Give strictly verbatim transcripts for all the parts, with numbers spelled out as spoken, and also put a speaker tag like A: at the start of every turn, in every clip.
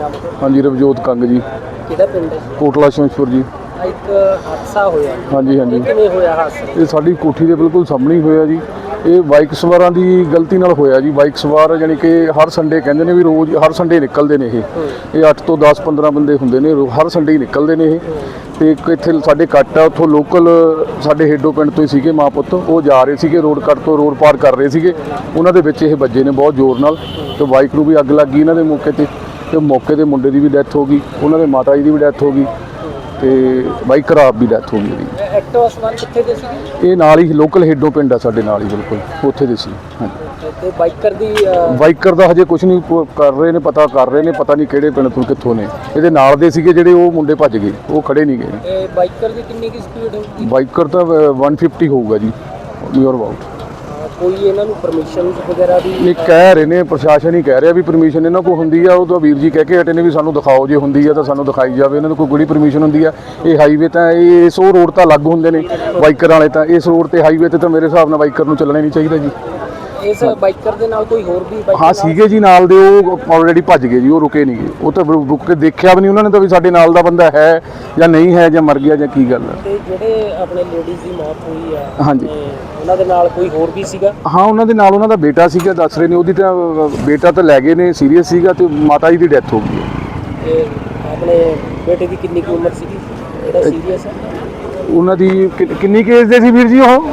A: नाम है?
B: हाँ जी रवजोत कंग जी।
A: किहड़ा पिंड है?
B: कोटला शमशपुर जी।
A: एक हादसा होया।
B: हाँ जी हाँ जी।
A: किवें होया हादसा?
B: ये साडी कोठी दे बिल्कुल सामने ही होया जी। ये बाइक सवारां दी गलती नाल होया जी। बाइक सवार जानी कि हर संडे कहंदे ने भी रोज़ हर संडे निकलदे ने। ये ये अठ तो दस पंद्रह बंदे हुंदे ने, हर संडे ही निकलदे ने। ये ते एक इत्थे साडे कट आ, उत्थों लोकल साडे हेडो पिंड तो ही सीगे मां पुत्त, वो जा रहे सीगे रोड कट तो रोड पार कर रहे सीगे, उन्हां दे विच ये बज्जे ने बहुत जोर नाल ते बाइक नूं भी अग लग गई इन्हां दे मौके ते ते मौके ते मुंडे दी भी डैथ हो गई, उन्हां दे माता जी दी भी डैथ हो गई ते बाइकर आप भी डैथ हो गई जी।
A: एक्टिवा सवार कित्थे दे सीगे?
B: ये नाल ही लोकल हेडो पिंड आ साडे नाल ही बिल्कुल उत्थे दे सी। हाँ
A: ते बाइकर दी
B: बाइकर दा हजे कुछ नहीं कर रहे ने, पता कर रहे ने, पता नहीं किहड़े पिंड तो कित्थों ने। इहदे नाल दे सीगे जिहड़े वो मुंडे भज गए, वो खड़े नहीं गए।
A: बाइकर दी कितनी की स्पीड होगी?
B: बाइकर तो वन फिफ्टी होगा जी नियर अबाउट।
A: कोई इन्हां नूं परमिशन वगैरह भी
B: ये कह रहे ने, प्रशासन ही कह रहा भी परमिशन इन्हां कोल हुंदी आ, वो तो वीर जी कह के हटे ने भी सानू दिखाओ, जे हुंदी आ तां सानू दिखाई जावे। इन्हां कोल कोई परमिशन हुंदी आ? ये हाईवे तां इस वो रोड तां अलग हुंदे ने बाइकर वाले, तां इस रोड ते हाईवे ते तां मेरे हिसाब नाल बाइकर नूं चलना ही नहीं चाहिदा जी।
A: इस बाइकर दे नाल कोई होर भी बाइकर?
B: हाँ सीगे जी नाल दे, वो ऑलरेडी भज गए जी, वो रुके नहीं गए, वो तो रुक के देखिया भी नहीं उन्होंने तो भी साडे नाल दा बंदा है या नहीं है, या मर गया या की गल है।
A: ते जेहड़े अपने लेडीज़ दी मौत हुई है,
B: हाँ जी,
A: उन्हां दे नाल कोई होर भी सीगा?
B: हाँ उन्हां दे नाल उन्हां दा बेटा सीगा, दस रहे ने ओहदी तां बेटा तो लै गए ने, सीरीयस सीगा, ते माता जी दी डैथ हो गई है।
A: ते अपने बेटे दी कितनी की उम्र सीगी जेहड़ा सीरीयस है?
B: उन्हां दी किन्नी केस दे सी वीर जी? ओह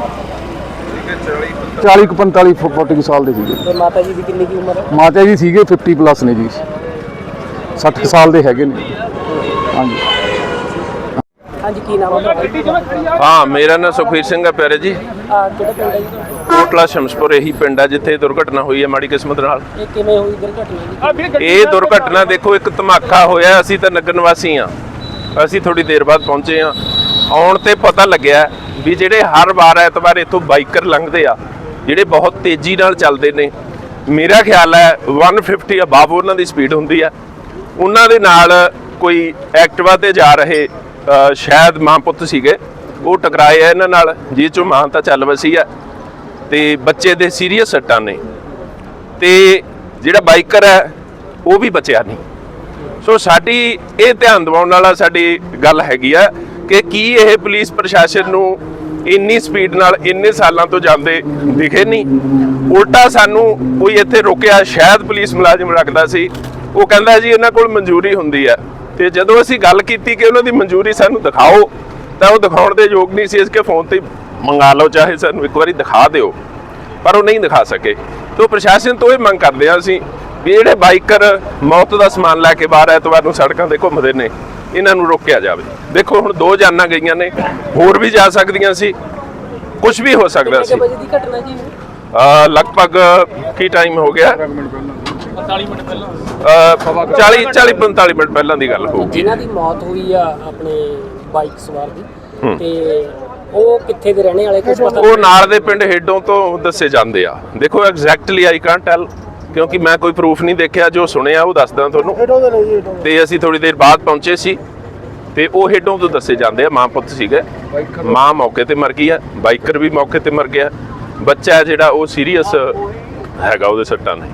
B: चाली पैंताली फोर्टी साल दे सीगे।
A: ते माता जी दी कितनी की उम्र है?
B: माता जी सीगे फिफ्टी प्लस ने जी, सठ साल दे हैगे ने। हाँ जी
A: हाँ जी, की नाम है?
C: हाँ मेरा नाम सुखवीर सिंह है प्यारे जी।
A: आ किहड़ा पिंड है जी?
C: कोटला शमशपुर यही पिंड है जिथे दुर्घटना हुई है माड़ी किस्मत नाल।
A: ये किवें होई दुर्घटना जी?
C: ਇਹ ਦੁਰਘਟਨਾ ਦੇਖੋ ਇੱਕ ਧਮਾਕਾ ਹੋਇਆ, ਅਸੀਂ ਤਾਂ ਨਗਰ ਨਿਵਾਸੀ ਆ, ਅਸੀਂ ਥੋੜੀ ਦੇਰ ਬਾਅਦ ਪਹੁੰਚੇ ਆ। ਆਉਣ ਤੇ ਪਤਾ ਲੱਗਿਆ ਵੀ ਜਿਹੜੇ ਹਰ ਵਾਰ ਐਤਵਾਰ ਇੱਥੋਂ ਬਾਈਕਰ ਲੰਘਦੇ ਆ ਜਿਹੜੇ ਬਹੁਤ ਤੇਜ਼ੀ ਨਾਲ ਚੱਲਦੇ ਨੇ, ਮੇਰਾ ਖਿਆਲ ਹੈ वन फिफ्टी ਅਬਾਵ ਉਹਨਾਂ ਦੀ ਸਪੀਡ ਹੁੰਦੀ ਆ, ਉਹਨਾਂ ਦੇ ਨਾਲ ਕੋਈ ਐਕਟਿਵਾ ਤੇ ਜਾ ਰਹੇ ਸ਼ਾਇਦ ਮਾਂ ਪੁੱਤ ਸੀਗੇ, ਉਹ ਟਕਰਾਏ ਆ ਇਹਨਾਂ ਨਾਲ, ਜਿਹ ਚੋਂ ਮਾਂ ਤਾਂ ਚੱਲ ਵਸੀ ਆ ਤੇ ਬੱਚੇ ਦੇ ਸੀਰੀਅਸ ਸੱਟਾਂ ਨੇ ਤੇ ਜਿਹੜਾ ਬਾਈਕਰ ਹੈ ਉਹ ਵੀ ਬਚਿਆ ਨਹੀਂ। ਸੋ ਸਾਡੀ ਇਹ ਧਿਆਨ ਦਿਵਾਉਣ ਵਾਲਾ ਸਾਡੀ ਗੱਲ ਹੈਗੀ ਆ ਕਿ ਕੀ ਇਹ ਪੁਲਿਸ ਪ੍ਰਸ਼ਾਸਨ ਨੂੰ ਇੰਨੀ ਸਪੀਡ ਨਾਲ ਇੰਨੇ ਸਾਲਾਂ ਤੋਂ ਜਾਂਦੇ ਦਿਖੇ ਨਹੀਂ? ਉਲਟਾ ਸਾਨੂੰ ਕੋਈ ਇੱਥੇ ਰੋਕਿਆ, ਸ਼ਾਇਦ ਪੁਲਿਸ ਮੁਲਾਜ਼ਮ ਰੱਖਦਾ ਸੀ, ਉਹ ਕਹਿੰਦਾ ਜੀ ਇਹਨਾਂ ਕੋਲ ਮਨਜ਼ੂਰੀ ਹੁੰਦੀ ਆ, ਤੇ ਜਦੋਂ ਅਸੀਂ ਗੱਲ ਕੀਤੀ ਕਿ ਉਹਨਾਂ ਦੀ ਮਨਜ਼ੂਰੀ ਸਾਨੂੰ ਦਿਖਾਓ ਤਾਂ ਉਹ ਦਿਖਾਉਣ ਦੇ ਯੋਗ ਨਹੀਂ ਸੀ। ਇਸ ਕੇ ਫੋਨ ਤੇ ਮੰਗਾ ਲਓ, ਚਾਹੇ ਸਾਨੂੰ ਇੱਕ ਵਾਰੀ ਦਿਖਾ ਦਿਓ, ਪਰ ਉਹ ਨਹੀਂ ਦਿਖਾ ਸਕੇ। तो प्रशासन तो ये मंग करते हैं असीं भी जिहड़े बाइकर मौत का समान लैके बाहर ऐतवार नूं सड़कों ते घुमदे ने, इन्हां नूं रोकिया जावे। देखो हुण दो जानां गईयां ने, होर भी जा सकदियां सी, कुछ भी हो सकदा सी। लगभग की टाइम हो गया? चाली चाली पैंताली मिनट पहलां दी गल होगी।
A: जिन्हां दी मौत हुई आ अपने बाइक सवार दी ते ਉਹ ਕਿੱਥੇ ਦੇ ਰਹਿਣੇ ਵਾਲੇ ਕੁਝ ਪਤਾ?
C: ਉਹ ਨਾਲ ਦੇ ਪਿੰਡ ਹੇਡੋਂ ਤੋਂ ਦੱਸੇ ਜਾਂਦੇ ਆ। ਦੇਖੋ ਐਗਜ਼ੈਕਟਲੀ ਆਈ ਕਾਂਟ ਟੈਲ ਕਿਉਂਕਿ ਮੈਂ ਕੋਈ ਪ੍ਰੂਫ ਨਹੀਂ ਦੇਖਿਆ, ਜੋ ਸੁਣਿਆ ਉਹ ਦੱਸਦਾ ਤੁਹਾਨੂੰ। ਤੇ ਅਸੀਂ ਥੋੜੀ ਦੇਰ ਬਾਅਦ ਪਹੁੰਚੇ ਸੀ ਤੇ ਉਹ ਹੇਡੋਂ ਤੋਂ ਦੱਸੇ ਜਾਂਦੇ ਆ, ਮਾਂ ਪੁੱਤ ਸੀਗੇ, ਮਾਂ ਮੌਕੇ ਤੇ ਮਰ ਗਈ ਆ, ਬਾਈਕਰ ਵੀ ਮੌਕੇ ਤੇ ਮਰ ਗਿਆ, ਬੱਚਾ ਹੈ ਜਿਹੜਾ ਉਹ ਸੀਰੀਅਸ ਹੈਗਾ, ਉਹਦੇ ਸੱਟਾਂ ਨੇ।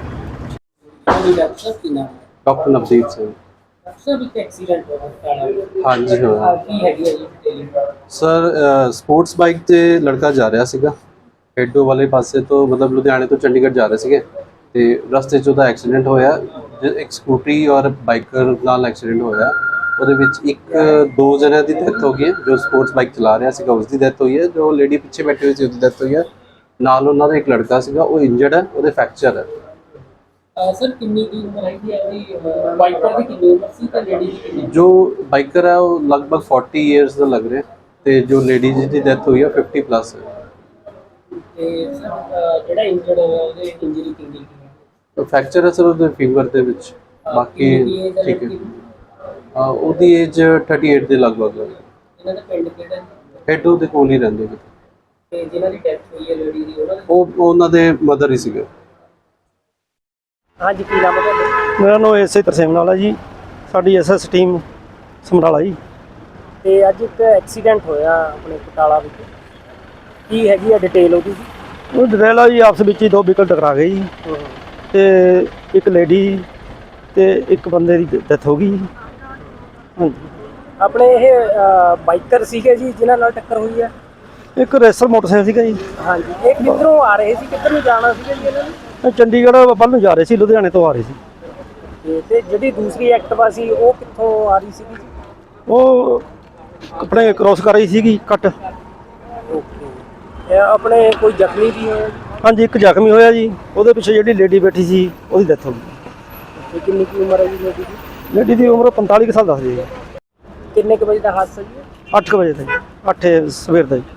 D: ਡਾਕਟਰ ਨਵਦੀਪ ਸਿੰਘ।
A: ਸਰ ਇੱਕ ਐਕਸੀਡੈਂਟ ਹੋਇਆ
D: ਹਾਂਜੀ ਹੋਇਆ।
A: ਕੀ ਹੈਗੀ ਹੈ ਜੀ?
D: ਸਰ ਸਪੋਰਟਸ ਬਾਈਕ ਤੇ ਲੜਕਾ ਜਾ ਰਿਹਾ ਸੀਗਾ ਹੈਡੋ ਵਾਲੇ ਪਾਸੇ ਤੋਂ, ਮਤਲਬ ਲੁਧਿਆਣੇ ਤੋਂ ਚੰਡੀਗੜ੍ਹ ਜਾ ਰਹੇ ਸੀਗੇ ਤੇ ਰਸਤੇ 'ਚ ਉਹਦਾ ਐਕਸੀਡੈਂਟ ਹੋਇਆ। ਇੱਕ ਸਕੂਟਰੀ ਔਰ ਬਾਈਕਰ ਨਾਲ ਐਕਸੀਡੈਂਟ ਹੋਇਆ, ਉਹਦੇ ਵਿੱਚ ਇੱਕ ਦੋ ਜਣਿਆਂ ਦੀ ਡੈਥ ਹੋ ਗਈ ਹੈ। ਜੋ ਸਪੋਰਟਸ ਬਾਈਕ ਚਲਾ ਰਿਹਾ ਸੀਗਾ ਉਸ ਦੀ ਡੈਥ ਹੋਈ ਹੈ, ਜੋ ਲੇਡੀ ਪਿੱਛੇ ਬੈਠੀ ਹੋਈ ਸੀ ਉਹਦੀ ਡੈਥ ਹੋਈ ਹੈ। ਨਾਲ ਉਹਨਾਂ ਦਾ ਇੱਕ ਲੜਕਾ ਸੀਗਾ, ਉਹ ਇੰਜਰਡ ਹੈ, ਉਹਦੇ ਫ੍ਰੈਕਚਰ ਹੈ।
A: ਸਰ ਕਿੰਨੀ ਦੀ ਉਮਰ ਹੈਗੀ ਹੈ ਜੀ? ਬਾਈਕਰ ਦੀ ਕਿੰਨੀ ਉਮਰ ਸੀ ਤੇ ਲੇਡੀ ਦੀ ਕਿੰਨੀ?
D: ਜੋ ਬਾਈਕਰ ਹੈ ਉਹ ਲਗਭਗ फोर्टी ਇਅਰਸ ਦਾ ਲੱਗ ਰਿਹਾ ਤੇ ਜੋ ਲੇਡੀ ਦੀ ਡੈਥ ਹੋਈ ਹੈ फिफ्टी ਪਲੱਸ ਹੈ।
A: ਤੇ ਸਰ ਜਿਹੜਾ ਇੰਜਰਡ ਹੋਇਆ ਉਹਦੇ ਇੰਜਰੀ ਕਿੰਨੀ ਹੈ?
D: ਫ੍ਰੈਕਚਰ ਹੈ ਸਰ ਉਹਦੇ ਫੀਵਰ ਦੇ ਵਿੱਚ, ਬਾਕੀ ਠੀਕ ਹੈ। ਹਾਂ ਉਹਦੀ ਏਜ अड़तीस ਦੇ ਲਗਭਗ ਹੈ।
A: ਇਹਨਾਂ ਦਾ ਪਿੰਡ ਕਿਹੜਾ?
D: ਹੈਡੋ ਦੇ ਕੋਲ ਹੀ ਰਹਿੰਦੇ ਨੇ।
A: ਤੇ ਜਿਨ੍ਹਾਂ ਦੀ ਡੈਥ ਹੋਈ ਹੈ ਲੇਡੀ ਦੀ, ਉਹਨਾਂ
D: ਉਹ ਉਹਨਾਂ ਦੇ ਮਦਰ ਹੀ ਸੀਗੇ।
A: ਹਾਂਜੀ, ਕੀ ਨਾਮ ਹੈ ਤੁਹਾਡਾ?
E: ਮੇਰਾ ਨਾਮ ਐਸ ਆਈ ਤਰਸੇਮ ਨਾਲ ਹੈ ਜੀ, ਸਾਡੀ ਐਸ ਐਸ ਟੀਮ ਸਮਰਾਲਾ ਜੀ।
A: ਤੇ ਅੱਜ ਇੱਕ ਐਕਸੀਡੈਂਟ ਹੋਇਆ ਆਪਣੇ ਕਟਾਲਾ ਵਿੱਚ, ਕੀ ਹੈਗੀ ਆ ਡਿਟੇਲ ਉਹਦੀ?
E: ਉਹ ਡਿਟੇਲ ਆ ਜੀ, ਆਪਸ ਵਿੱਚ ਹੀ ਦੋ ਵਹੀਕਲ ਟਕਰਾ ਗਏ ਜੀ ਤੇ ਇੱਕ ਲੇਡੀ ਤੇ ਇੱਕ ਬੰਦੇ ਦੀ ਡੈਥ ਹੋ ਗਈ ਜੀ। ਹਾਂਜੀ।
A: ਆਪਣੇ ਇਹ ਬਾਈਕਰ ਸੀਗੇ ਜੀ ਜਿਨ੍ਹਾਂ ਨਾਲ ਟੱਕਰ ਹੋਈ ਹੈ?
E: ਇੱਕ ਰੇਸਰ ਮੋਟਰਸਾਈਕਲ ਸੀਗਾ ਜੀ।
A: ਹਾਂਜੀ। ਇਹ ਕਿੱਧਰੋਂ ਆ ਰਹੇ ਸੀ, ਕਿੱਧਰ ਨੂੰ ਜਾਣਾ ਸੀਗਾ ਜੀ ਇਹਨਾਂ ਨੇ?
E: ਇਹ ਚੰਡੀਗੜ੍ਹ ਵੱਲ ਨੂੰ ਜਾ ਰਹੇ ਸੀ, ਲੁਧਿਆਣੇ ਤੋਂ ਆ ਰਹੇ ਸੀ।
A: ਤੇ- ਤੇ ਜਿਹੜੀ ਦੂਸਰੀ ਐਕਟਿਵਾ ਸੀ ਉਹ ਕਿੱਥੋਂ ਆ ਰਹੀ ਸੀਗੀ ਜੀ?
E: ਉਹ ਆਪਣੇ ਕ੍ਰੋਸ ਕਰ ਰਹੀ ਸੀਗੀ ਕੱਟ।
A: ਓਕੇ। ਇਹ ਆਪਣੇ ਕੋਈ ਜ਼ਖਮੀ ਵੀ ਹੋਇਆ ਜੀ?
E: ਹਾਂਜੀ, ਇੱਕ ਜ਼ਖਮੀ ਹੋਇਆ ਜੀ। ਉਹਦੇ ਪਿੱਛੇ ਜਿਹੜੀ ਲੇਡੀ ਬੈਠੀ ਸੀ ਉਹਦੀ ਡੈਥ ਹੋ ਗਈ।
A: ਤੇ ਕਿੰਨੀ ਕੀ ਉਮਰ ਹੈ ਜੀ ਲੇਡੀ ਦੀ?
E: ਲੇਡੀ ਦੀ ਉਮਰ ਪੰਤਾਲੀ ਕੁ ਸਾਲ ਦੱਸਦੀ ਹੈ ਜੀ।
A: ਕਿੰਨੇ ਕੁ ਵਜੇ ਦਾ ਹਾਦਸਾ ਜੀ?
E: ਅੱਠ ਕੁ ਵਜੇ ਦਾ ਜੀ, ਅੱਠ ਸਵੇਰ ਦਾ ਜੀ।